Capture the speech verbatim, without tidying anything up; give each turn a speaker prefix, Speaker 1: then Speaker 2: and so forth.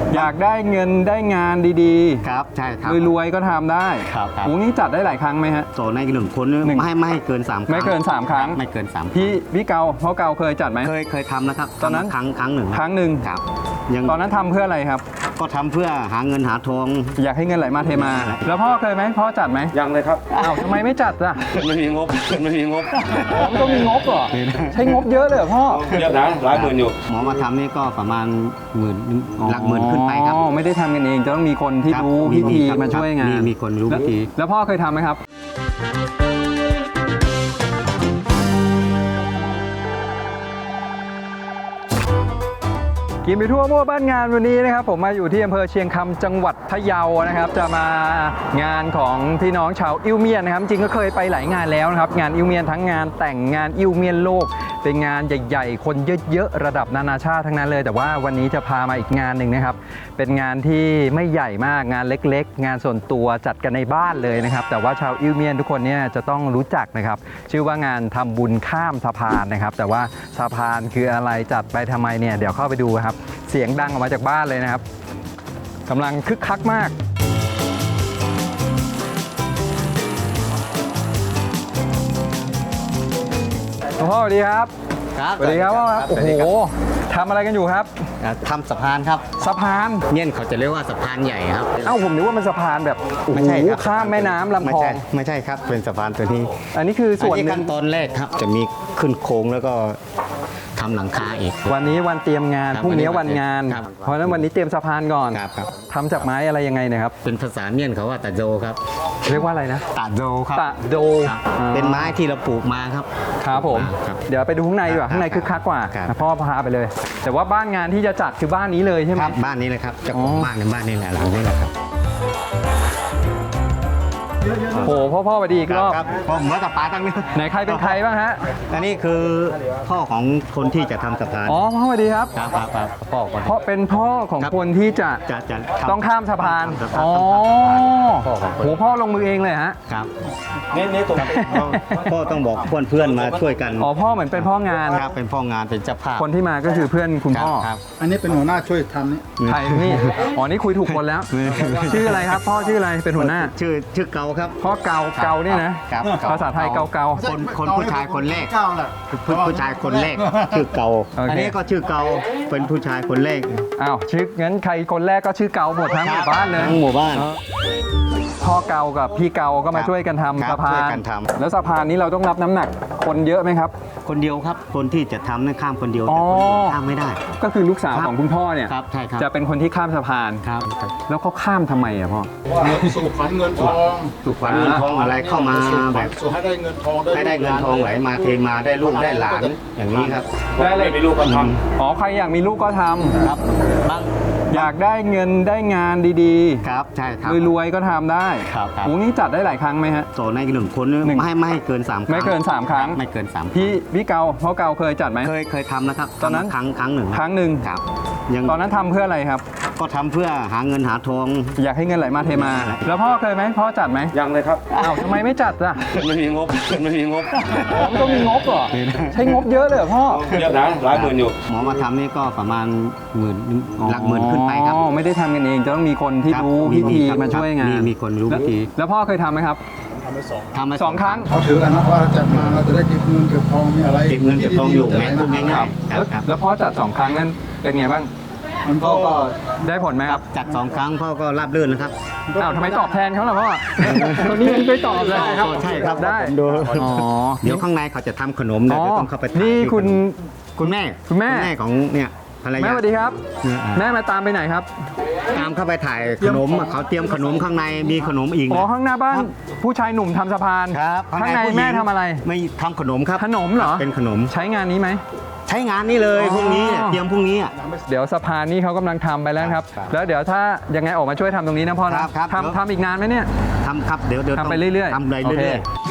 Speaker 1: อยากได้เงินได้งานดีๆ
Speaker 2: ครับใช่ครับ
Speaker 1: รวยๆก็ทำได้
Speaker 2: ครับครับ
Speaker 1: โอ้นี้จัดได้หลายครั้งไหมฮะ
Speaker 2: โซนในหนึ่งคนไม่ให้ไม่ให้เกินสามครั้ง
Speaker 1: ไม่เกินสามครั้ง
Speaker 2: ไม่เกินสาม
Speaker 1: พี่พี่เกาพ่อเกาเคยจัดไหม
Speaker 2: เคยเคยทำนะครับ
Speaker 1: ตอนนั้น
Speaker 2: ครั้งครั้งหนึ่ง
Speaker 1: ครั้งหนึ่ง
Speaker 2: ครับ
Speaker 1: ยังตอนนั้นทำเพื่ออะไรครับ
Speaker 2: ก็ทำเพื่อหาเงินหาทอง
Speaker 1: อยากให้เงินไหลมาเทมาแล้วพ่อเคยไหมพ่อจัดไหม
Speaker 3: ยังเลยครับ
Speaker 1: อ้าวทำไมไม่จัดล่ะ
Speaker 3: ไม่มีงบไม่มีงบ
Speaker 1: ผมต้องมีงบเหรอใช้งบเยอะเลยเหรอพ่อ
Speaker 3: เยอะนะหลายหมื่นอยู่
Speaker 2: หมอมาทำนี่ก็ประมาณหมื่นหลักหมื่นขึ้นไปครับ
Speaker 1: อ๋อไม่ได้ทำกันเองจะต้องมีคนที่รู้พิธีมาช่วยงาน
Speaker 2: มีคนรู้พิธี
Speaker 1: แล้วพ่อเคยทำไหมครับกินไปทั่วมั่วบ้านงานวันนี้นะครับผมมาอยู่ที่อำเภอเชียงคำจังหวัดพะเยานะครับจะมางานของพี่น้องชาวอิวเมียนนะครับจริงก็เคยไปหลายงานแล้วนะครับงานอิวเมียนทั้งงานแต่งงานอิวเมียนโลกเป็นงานใหญ่ๆคนเยอะๆระดับนานาชาติทั้งนั้นเลยแต่ว่าวันนี้จะพามาอีกงานหนึ่งนะครับเป็นงานที่ไม่ใหญ่มากงานเล็กๆงานส่วนตัวจัดกันในบ้านเลยนะครับแต่ว่าชาวอิวเมียนทุกคนเนี่ยจะต้องรู้จักนะครับชื่อว่างานทำบุญข้ามสะพานนะครับแต่ว่าสะพานคืออะไรจัดไปทำไมเนี่ยเดี๋ยวเข้าไปดูครับเสียงดังออกมาจากบ้านเลยนะครับกำลังคึกคักมากพ่อสวัสดีครับ
Speaker 2: ครับ
Speaker 1: สวัสดีครับพ่อครับโอ้โหทำอะไรกันอยู่ครับ
Speaker 2: ทำสะพานครับ
Speaker 1: สะพาน
Speaker 2: เนี่ยเขาจะเรียกว่าสะพานใหญ่ครับ
Speaker 1: เอ้าผมนึกว่ามันสะพานแบบไม่ใช่ข้ามแม่น้ำลำคลอง
Speaker 2: ไม่ใช่ครับเป็นสะพานตัวนี้
Speaker 1: อันนี้คือส่วน
Speaker 2: ขั้นตอนแรกครับจะมีขึ้นโค้งแล้วก็ทำหลังคาอีก
Speaker 1: วันนี้วันเตรียมงานพรุ่งนี้วันงานเพราะฉะนั้นวันนี้เตรียมสะพานก่อนทำจากไม้อะไรยังไงนะครับ
Speaker 2: เป็นภาษาเมียนเขาว่าตะโจครับ
Speaker 1: เรียกว่าอะไรนะ
Speaker 2: ตะโจครับ
Speaker 1: ตะโจ
Speaker 2: เป็นไม้ที่เราปลูกมาครับ
Speaker 1: ครับผมเดี๋ยวไปดูข้างในดีกว่าข้างในคึกคักกว่าพ่อพาไปเลยแต่ว่าบ้านงานที่จะจัดคือบ้านนี้เลยใช่ไหม
Speaker 2: ครับบ้านนี้เลยครับเจ้าของบ้านในบ้านนี้แหละหลังนี้แหละครับ
Speaker 1: โอ้พ่อพ่อไปดีอีกรอบ
Speaker 2: พ่อผมว่ากับป้าตั้งนี้
Speaker 1: ไหนใครเป็นใครบ้างฮะ
Speaker 2: อันนี้คือพ่อของคนที่จะทำสะพาน
Speaker 1: อ๋อพ่อสวัสดีครับ
Speaker 2: ครับครับพ่อ
Speaker 1: เพราะเป็นพ่อของคนที่จะ
Speaker 2: จะ
Speaker 1: ต้องข้ามสะพานอ๋อโหพ่อลงมือเองเลยฮะ
Speaker 2: ครับนี่นี่ตรงพ่อต้องบอกเพื่อนเพื่อนมาช่วยกัน
Speaker 1: อ๋อพ่อเหมือนเป็นพ่องาน
Speaker 2: ครับเป็นพ่องานเป็นเจ้าภาพ
Speaker 1: คนที่มาก็คือเพื่อนคุณพ่อ
Speaker 4: อันนี้เป็นหัวหน้าช่วยทำนี่
Speaker 1: ใครนี่อ๋อนี่คุยถูกคนแล้วชื่ออะไรครับพ่อชื่ออะไรเป็นหัวหน้า
Speaker 2: ชื่อชื่อเกาครับ
Speaker 1: พ่อเกาเกาเนี่ยนะภาษาไทยเกาเกา
Speaker 2: คนคนผู้ชายคนแรกผู้ชายคนแรกชื่อเกาอันนี้ก็ชื่อเกาเป็นผู้ชายคนแรก
Speaker 1: อ้าวชื่องั้นใครคนแรกก็ชื่อเกาหมดทั้งหมู่บ้านเลย
Speaker 2: ทั้งหมู่บ้าน
Speaker 1: พ่อเกากับพี่เกาก็มาช่วยกันทำสะพานแล้วสะพานนี้เราต้องรับน้ำหนักคนเยอะไหมครับ
Speaker 2: คนเดียวครับคนที่จะทำนั่นข้ามคนเดียวแต่คนข้ามไม่ได้
Speaker 1: ก็คือลูกสาวของคุณพ่อเนี่ยจะเป็นคนที่ข้ามสะพาน
Speaker 2: ครับ
Speaker 1: แล้วเขาข้ามทำไมอะพ่อ
Speaker 4: สู่ขวัญเงินทอง
Speaker 2: สู่ขวัญเงินทองอะไรเข้ามาแบบ
Speaker 4: ให้ได้เงินทอง
Speaker 2: ให้ได้เงินทองไหลมาเทมาได้ลูกได้หลานอย่างนี้ครับ
Speaker 3: ได้เลยมีลูกก็ทำ
Speaker 1: อ๋อใครอยากมีลูกก็ทำ
Speaker 2: ครับบ้าง
Speaker 1: อยากได้เงินได้งานดี
Speaker 2: ๆครับใช่ครับ
Speaker 1: รวยๆก็ทำได้
Speaker 2: ครับ
Speaker 1: โอ้นี้จัดได้หลายครั้งไหมฮะ
Speaker 2: โซนในหนึ่งคนไม่ให้ไม่ให้เกินสาม
Speaker 1: ไม่เกินสามครั้ง
Speaker 2: ไม่เกินสาม
Speaker 1: พี่พี่เกาพ่อเกาเคยจัดไหม
Speaker 2: เคยเคยทำนะครับ
Speaker 1: ตอนนั้น
Speaker 2: ครั้งครั้งหนึ่ง
Speaker 1: ครั้งหนึ่ง
Speaker 2: ครับ
Speaker 1: ยังตอนนั้นทำเพื่ออะไรครับ
Speaker 2: ก็ทำเพื่อหาเงินหาทอง
Speaker 1: อยากให้เงินไหลมาเทมาแล้วพ่อเคยไหมพ่อจัดไหม
Speaker 3: ยังเลยครับ
Speaker 1: อ้าวทำไมไม่จัดล่ะ
Speaker 3: ไม่มีงบไม่มีงบ
Speaker 1: ผมต้องมีงบเหรอใช้งบเยอะเลยเหรอพ่อ
Speaker 3: เยอะนะหลายหมื่นอยู่
Speaker 2: หมอมาทำนี่ก็ประมาณหมื่นหลักหมื่นขึ้นไปครับ
Speaker 1: ไม่ได้ทำกันเองจะต้องมีคนที่รู้พิธีมาช่วยงาน
Speaker 2: มีคนรู้พิธี
Speaker 1: แล้วพ่อเคยทำไหมครับ
Speaker 4: ทำไปสอง
Speaker 2: ทำไป
Speaker 1: สองครั้ง
Speaker 4: เขาถือกันนะว่าจัดมาเราจะได้เก็บเงินเก็บทองมีอะไร
Speaker 2: เก็บเงินเก็บทองอยู่ไหมพูดง่าย
Speaker 1: ๆแล้วพ่อจัดสองครั้งนั้นเป็นไงบ้าง
Speaker 2: พ่อก็
Speaker 1: ได้ผลไหมครับ
Speaker 2: จัดสองครั้งพ่อก็ราบรื่นนะครับ
Speaker 1: อ้าวทำไมตอบแทนเขาล่ะพ่อคนนี้มันไปตอบเลย
Speaker 2: ครับใช่ครับ
Speaker 1: ได้
Speaker 2: อ๋อเดี๋ยวข้างในเขาจะทำขนมเดี๋ยวต้องเข้าไป
Speaker 1: นี่คุณ
Speaker 2: คุณแม่
Speaker 1: คุณแม่
Speaker 2: แม่ของเนี่ย
Speaker 1: แม่สวัสดีครับแม่มาตามไปไหนครับ
Speaker 2: ตามเข้าไปถ่ายขนมเขาเตรียมขนมข้างในมีขนมอีก
Speaker 1: อ๋อข้างหน้าบ้านผู้ชายหนุ่มทำสะพาน
Speaker 2: ครับ
Speaker 1: ข้างในแม่ทำอะไร
Speaker 2: ไม่ทำขนมครับ
Speaker 1: ขนมเหรอ
Speaker 2: เป็นขนม
Speaker 1: ใช้งานนี้ไหม
Speaker 2: ใช้งานนี้เลยพรุ่งนี้เตรียมพรุ่งนี้
Speaker 1: เดี๋ยวสะพานนี้เขากำลังทำไปแล้วครับแล้วเดี๋ยวถ้ายังไงออกมาช่วยทำตรงนี้นะพ่อนะทำทำอีกนานไหมเนี่ย
Speaker 2: ทำครับเดี๋ยวเดี๋ยว
Speaker 1: ทำไปเรื่อย
Speaker 2: ๆทำไปเรื่อยๆ